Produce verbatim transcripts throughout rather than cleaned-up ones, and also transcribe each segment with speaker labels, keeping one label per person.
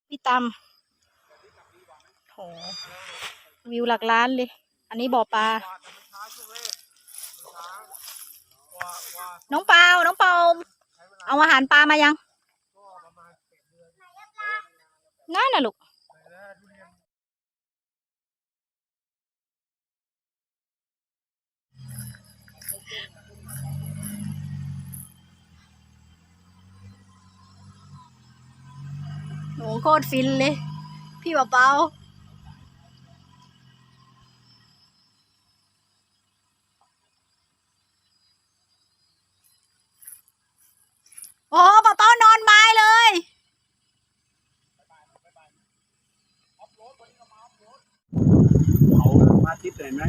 Speaker 1: พี่ตำโหวิวหลักล้านเลย อันนี้บ่อปลา น้องเปาน้องเปาเอาอาหารปลามายังนั่นน่ะลูกโหโคตรฟินเลย พี่เปาเปาโอ้เปาเปานอนไม้เลย
Speaker 2: เขามาทิศเห็นไหม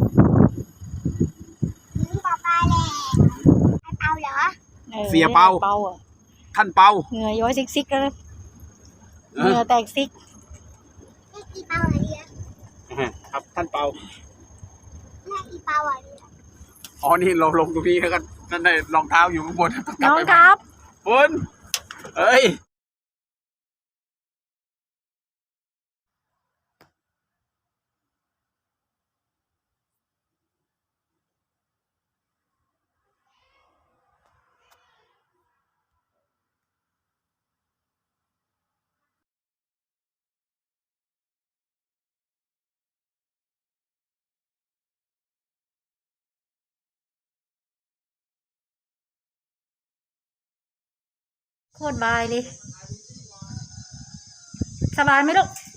Speaker 3: ปลาปลาแหละเปาเหรอ
Speaker 2: เสียเปา
Speaker 1: เปาอ่ะ
Speaker 2: ท่านเปา
Speaker 1: เหงื่อย้อยซิกซิกเลยเหงื่อแตกซิก
Speaker 3: นี่กี่เปาอะไรเนี่ย
Speaker 2: ครับท่านเปา
Speaker 3: นี่กี่เปาอะไรเนี่ย
Speaker 2: อ๋อนี่เราลงตรงนี้แล้วก็นั่นได้รองเท้าอยู่ข้างบน
Speaker 1: น้องครับ
Speaker 2: บนเอ้ย
Speaker 1: โคตรบายเลย สบายไหมลูก